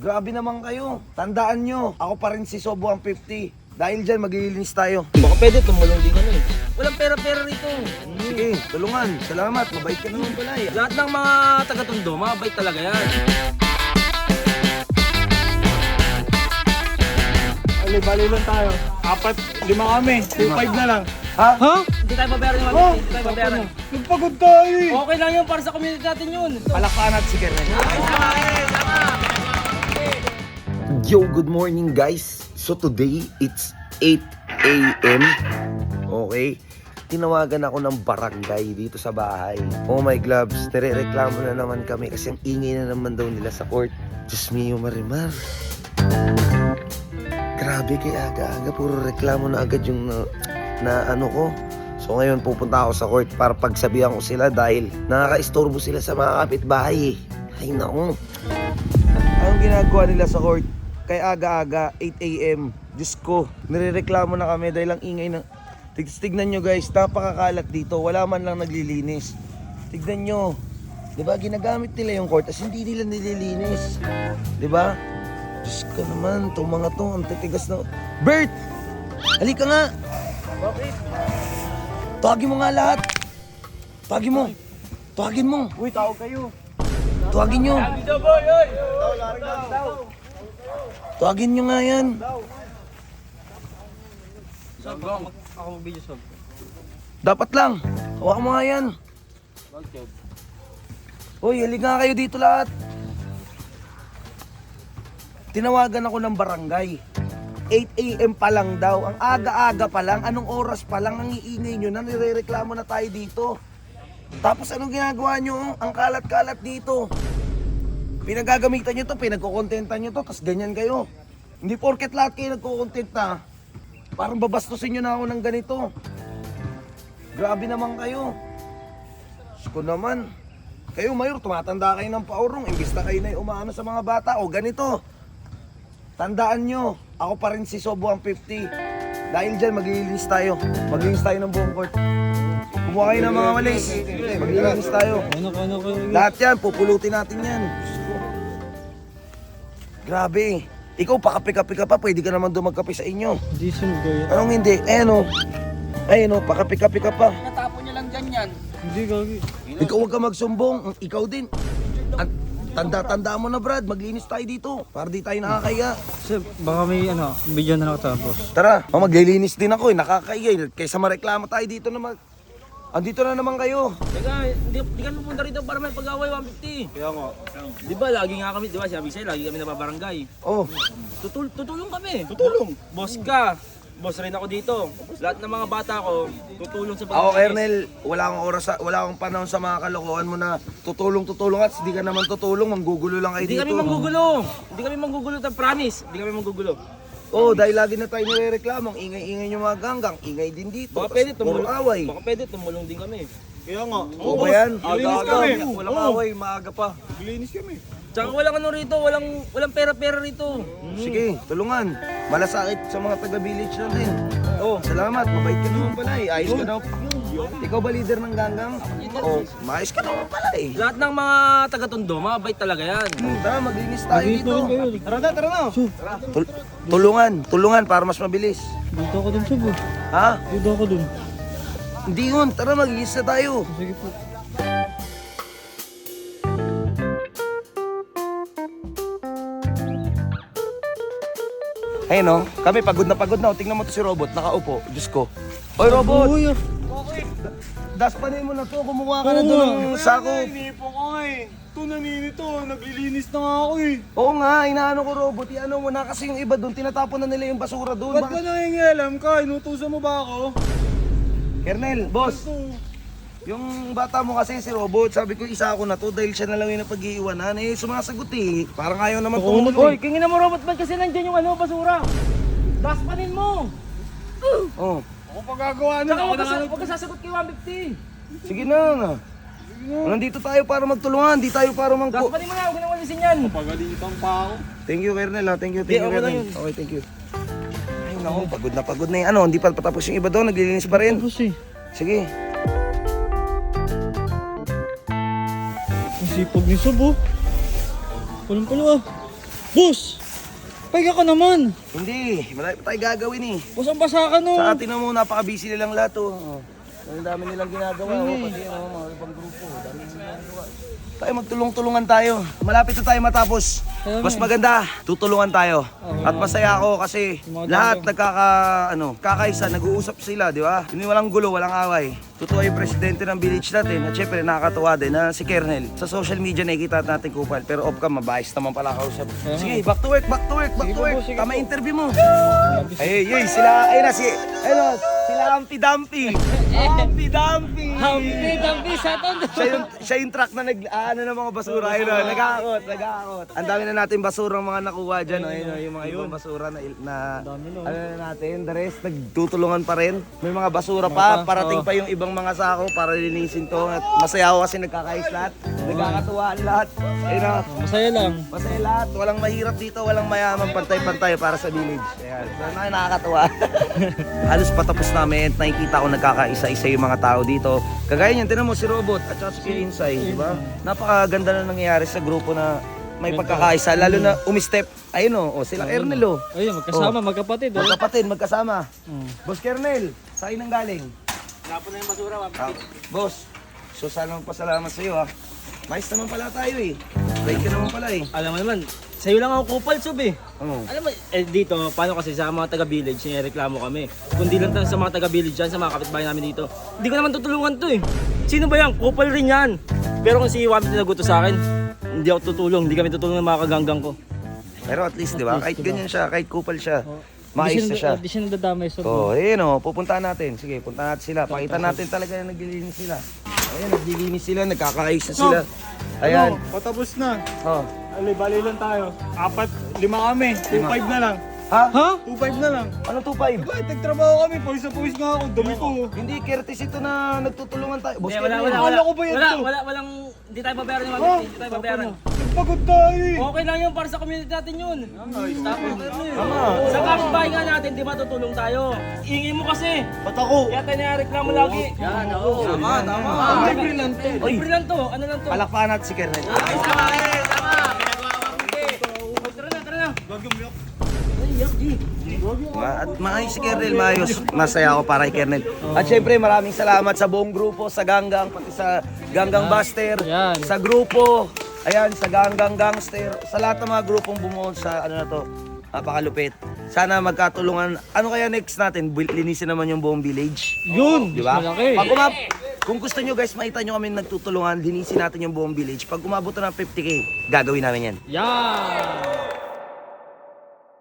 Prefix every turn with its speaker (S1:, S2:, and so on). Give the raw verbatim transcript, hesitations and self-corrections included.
S1: Grabe naman kayo. Tandaan nyo, ako pa rin si Sobo ang fifty. Dahil dyan, maglilinis tayo.
S2: Baka pwede tumulong din kami. Walang pera-pera rito.
S1: Sige, tulungan. Salamat, mabait ka naman pala eh.
S2: Lahat ng mga taga-Tondo, mabait talaga yan.
S3: Bali-bali lang tayo. Apat, lima kami. two five na lang.
S1: Ha?
S3: Ha?
S2: Hindi tayo babayaran yung
S3: Oh,
S2: Hindi tayo babayaran.
S3: nagpagod tayo eh.
S2: Okay lang yun para sa community natin yun.
S1: Palakpakan natin si Kernel. Yo, good morning guys. So today, it's eight a m Okay? Tinawagan ako ng barangay dito sa bahay. Oh my gloves, nire-reklamo na naman kami kasi ang ingay na naman daw nila sa court. Diyos mio, Marimar. Grabe kay aga-aga, puro reklamo na agad yung na, na ano ko. So ngayon pupunta ako sa court para pagsabihan ko sila dahil nakaka-istorbo sila sa mga kapitbahay eh. Ay naku. Anong ginagawa nila sa court? Kay aga-aga, eight a m Diyos ko, nirereklamo na kami dahil ang ingay na... Tignan nyo guys, napakakalat dito. Wala man lang naglilinis. Tignan nyo. Diba, ginagamit nila yung court as hindi nila nililinis. Diba? Diyos ko naman, itong mga to, ang titigas na... Bert! Halika nga!
S2: Bakit?
S1: Tawagin mo nga lahat! Tawagin mo! Tawagin mo!
S3: Uy, tao kayo.
S1: Tawagin nyo!
S2: Dito boy, oy!
S1: Tawagin nyo nga yan!
S2: Sab, ako mag-video sab.
S1: Dapat lang! Hawakan mo nga yan!
S2: Bakit?
S1: Uy, halika nga kayo dito lahat! Tinawagan ako ng barangay. eight a m pa lang daw. Ang aga-aga pa lang. Anong oras pa lang ang iingay nyo na nirereklamo na tayo dito. Tapos anong ginagawa nyo? Ang kalat-kalat dito. Pinagagamitan nyo to, pinagkukontentan nyo to, tas ganyan kayo. Hindi porket lahat kayo nagkukontenta. Parang babastusin nyo na ako ng ganito. Grabe naman kayo. Diyos ko naman. Kayo, Mayor, tumatanda kayo ng paurong. Imbis na kayo na yung umaano sa mga bata. O ganito. Tandaan nyo, ako pa rin si Sobo ang fifty. Dahil dyan, maglilinis tayo. Maglilinis tayo ng buong court. Kumuha kayo ng mga walis. Maglilinis tayo.
S3: Ano ka, ano ka?
S1: Lahat yan, pupulutin natin yan. Grabe. Ikaw, pakapi-kapi ka pa. Pwede ka naman doon magkape sa inyo.
S3: Hindi sunod kayo.
S1: Anong hindi? Ayan o. Ayan o, pakapi-kapi ka pa.
S2: Natapon niya lang dyan yan.
S3: Hindi gagi.
S1: Ikaw huwag ka magsumbong. Ikaw din. At tanda-tanda mo na, Brad. Maglinis tayo dito. Para di tayo nakakaya.
S3: Sir, baka may ano, video na nakatapos.
S1: Tara, oh, maglilinis din ako eh. Nakakaya. Kaysa mareklamo tayo dito na mag... Andito na naman kayo.
S2: Teka, hindi, hindi kami pupunta rito para may pag-away one fifty.
S3: Kaya nga.
S2: Di ba, lagi nga kami, di ba, sabi sa'yo, lagi kami nababarangay.
S1: Oh,
S2: Tutul tutulong kami. Tutulong. Boss ka. Boss rin ako dito. Lahat ng mga bata ko, tutulong sa
S1: ako,
S2: pag-alis.
S1: Kernel, wala akong oras, sa, wala akong panahon sa mga kalokohan mo na tutulong-tutulong at hindi ka naman tutulong, manggugulo lang kayo
S2: Hindi
S1: dito.
S2: kami manggugulo. Hindi kami manggugulo, ta promise. Hindi kami manggugulo.
S1: Oh, dahil lagi na tayo nirereklamo, ang ingay-ingay yung mga ganggang, ingay din dito.
S2: Baka
S1: Tas
S2: pwede
S1: puro
S2: tumulong.
S1: away.
S2: Baka pwede tumulong din kami.
S3: Kaya nga.
S1: Oo ba yan?
S3: Linis kami.
S1: Walang
S3: Oo.
S1: away, maaga pa.
S3: Linis kami.
S2: Tsaka walang ano rito, walang walang pera-pera rito.
S1: Sige, tulungan. Malasakit sa mga taga-village natin. Oh, salamat. Mabait ka naman pala eh. Ayos ka daw. Ikaw ba leader ng ganggang? Oh, maayos ka naman pala eh.
S2: Lahat ng mga taga-Tondo, mabait talaga yan.
S1: Hmm, Tara, maglinis tayo dito.
S3: Tara na, tara na.
S1: Tul- tulungan, tulungan para mas mabilis.
S3: Dito ako dun, sub.
S1: Ha?
S3: Dito ako dun.
S1: Hindi yun. Tara, maglinis na tayo.
S3: Sige po.
S1: Ayun no, kami pagod na pagod na. O, tingnan mo to si Robot, nakaupo. Diyos ko. Oy, Robot!
S3: Uy, ah.
S1: Daspanin mo na to, kumuha ka na doon ng sako.
S3: Inipo ko eh. Ito naninito, naglilinis na nga ako eh.
S1: Oo nga, inaano ko Robot, iano mo na kasi yung iba doon, tinatapon na nila yung basura doon.
S3: Ba't ka nangingialam ka? Inutusan mo ba ako?
S1: Kernel, boss,
S3: Ito.
S1: yung bata mo kasi si Robot, sabi ko isa ako na to dahil siya na lang yung napag-iiwanan. Eh, sumasagot eh. Parang ayaw naman tumulong.
S2: Hoy, kingin na mo robot ba't kasi nandyan yung ano, basura? Daspanin mo!
S1: Oh,
S3: Ako pagagawa na.
S2: Tsaka
S3: Ako
S2: huwag
S3: na
S2: ka,
S3: nga.
S2: huwag ka sasagot kay one fifty.
S1: sige na. Nandito tayo para magtulungan, di tayo para mangko.
S2: Daspanin mo na, huwag ka nang walisin yan.
S3: Pagalitan pa ako.
S1: Thank you, Kernel. Ha? Thank you, thank
S2: Di,
S1: you,
S2: okay lang
S1: Kernel.
S2: yun.
S1: Okay, thank you. Ay, naku, pagod na pagod na yung ano. Hindi pa patapos yung iba doon, naglilinis pa rin.
S3: Tapos eh.
S1: Sige.
S3: Ang sipag ni Sub oh. Walang pala ah.
S4: Boss! Pahinga ka naman.
S1: Hindi, marami pa tayo gagawin eh.
S4: Boss, ang basa ka no.
S1: Sa atin na mo, napaka-busy nilang lahat oh. Oh. Ang dami nilang ginagawa oh. Pati oh, mga ibang grupo. Dami nilang ginagawa. Tayo magtulong-tulungan tayo. Malapit na tayo matapos. Mas maganda, tutulungan tayo. At masaya ako kasi lahat nagkaka, ano, kakaisa, nag-uusap sila, di ba? Hindi walang gulo, walang away. Totoo yung presidente ng village natin at syempre nakakatuwa din na si Kernel. Sa social media nakikita natin kupal pero off cam, mabayos naman pala kausap. Sige, back to work, back to work, back to work. Tama interview mo. Ay, ay, sila, ayun na si, ayun, sila Humpy Dumpy. Humpy Dumpy.
S4: Humpy Dumpy, Saturn.
S1: Siya yung, siya yung truck na nag, ano ng mga basura, ayun o, nag-aakot, nag-aakot. Ang dami na natin basurang mga nakuha dyan, ayun o, yung mga ibang basura na, na ano na natin, the rest, nagtutulungan pa rin. May mga basura pa, parating pa yung ibang mga sako para linisin to. At masaya ako kasi nagkakais lahat, nagkakatuwaan lahat. Ayun o,
S4: Masaya lang.
S1: masaya lahat, walang mahirap dito, walang mayaman, pantay-pantay para sa village. Ayan, so na, nakakatuwa. Halos patapos namin, nakikita ko nagkakaisa-isa yung mga tao dito. Kagaya niyan, tinan mo si Robot at saka si Insay, di ba? Napakaganda na nangyayari sa grupo na may pagkakaisa, lalo na umistep. Ayun o, oh, sila Kernel o.
S4: Ayun, magkasama, magkapatid. Oh.
S1: Magkapatid, magkasama. Boss Kernel, sa'yo nang galing.
S2: Tapos na yung basura,
S1: Ah, boss, so sana magpasalamat sa iyo ha. Mais naman pala tayo eh. Right ka naman pala eh.
S2: Alam mo naman, sa'yo lang ako kupal, Sob eh.
S1: Oo.
S2: Alam mo, eh dito, paano kasi sa mga taga-village, sinireklamo kami. Kundi lang tayo sa mga taga-village dyan, sa mga kapitbahay namin dito. Hindi ko naman tutulungan to eh. Sino ba yan? Kupal rin yan. Pero kung si Wami tinaguto sa akin, hindi ako tutulong. Hindi kami tutulong ng mga kaganggang ko.
S1: Pero at least, di ba? Kahit ganyan siya, kahit kupal siya, maayos na siya.
S4: Di siya nadadamay sa
S1: Oh, ayun oh, pupuntahan natin. Sige, puntahan natin sila. Pakita natin talaga na naglilinis sila. Ayan, naglilinis sila, nagkakaayos na sila. Ayan.
S3: Ano, patapos na.
S1: Oh.
S3: Ali, bali lang tayo. Apat, lima kami. two five na lang.
S1: Ha?
S4: Ha?
S3: two five na lang.
S1: Ano two five?
S3: Bakit nagtrabaho kami? Pawis na pawis nga ako. Dami ko.
S1: Hindi, Curtis ito na nagtutulungan tayo. Boss,
S2: Hindi, wala,
S1: Kernel.
S2: wala,
S3: Akala
S2: wala.
S3: ko ba yan
S2: Wala,
S3: to?
S2: wala, walang, hindi tayo babayaran ni Mami.
S3: Oh,
S2: Hindi tayo babayaran.
S3: Nagpagod tayo eh.
S2: Okay lang yun para sa community natin yun. Tapos, sa kapitbahay nga natin, di ba tutulong tayo? Ingay mo kasi.
S1: Ba't ako?
S2: Kaya tayo nareklamo lagi. Yan, oo. Tama, tama.
S3: Libre lang to.
S2: Libre lang to. Ano lang to?
S1: Palakpakan natin si Kernel.
S2: Tama, eh, tama. Pinagawa ko mabuti. Oh, tara na, tara na. Ay, yak, G.
S1: Ma- At maayos si Kernel, maayos. Masaya ako para kay Kernel. At syempre, maraming salamat sa buong grupo, sa Ganggang, pati sa Ganggang Buster,
S4: Yan.
S1: sa grupo, ayan, sa Ganggang Gangster, sa lahat ng mga grupong bumuo sa ano na to, napakalupit. Sana magkatulungan. Ano kaya next natin? Bil- Linisin naman yung buong village.
S4: Yun!
S1: Di ba?
S4: Malaki.
S1: Pag umab kung gusto nyo guys, makita nyo kami nagtutulungan, linisin natin yung buong village. Pag umabot na ng fifty K, gagawin namin yan.
S4: Yan!